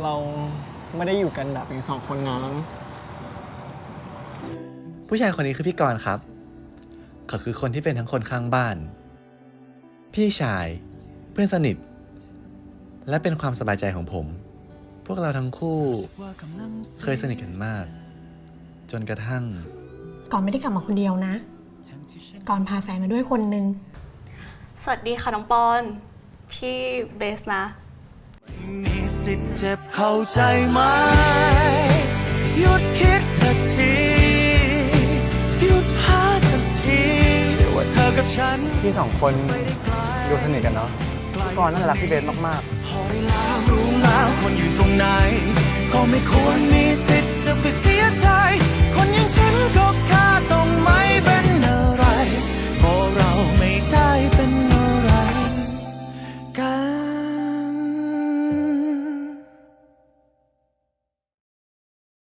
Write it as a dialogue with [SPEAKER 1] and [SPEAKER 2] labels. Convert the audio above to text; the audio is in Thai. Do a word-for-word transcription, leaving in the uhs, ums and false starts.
[SPEAKER 1] เราไม่ได้อยู่กันแบบเป็นสองคนนะ
[SPEAKER 2] ผู้ชายคนนี้คือพี่กรณ์ครับเขาคือคนที่เป็นทั้งคนข้างบ้าน พี่ชาย เพื่อนสนิท และเป็นความสบายใจของผม พวกเราทั้งคู่เคยสนิทกันมาก จนกระทั่ง
[SPEAKER 3] ก่อนไม่ได้กลับมาคนเดียวนะ ก่อนพาแฟนมาด้วยคนนึง
[SPEAKER 4] สวัสดีค่ะน้องปอน พี่เบสนะ
[SPEAKER 5] มีสิทธิ์เจ็บเข้าใจไหมหยุดคิดสักทีหยุดพาสักทีว่าเธอกับฉัน
[SPEAKER 1] พี่สองคนดูสนิทกันเนาะพี่กรณ์น่าจะรักพี่เบสมากๆ
[SPEAKER 5] พอได้แล้วรู้แล้วคนอยู่ตรงไหนก็ไม่ควรมีสิทธิ์จะไปเสียใจคนอย่างฉันก็แค่ต้องไม่เป็นอะไรเพราะเราไม่ได้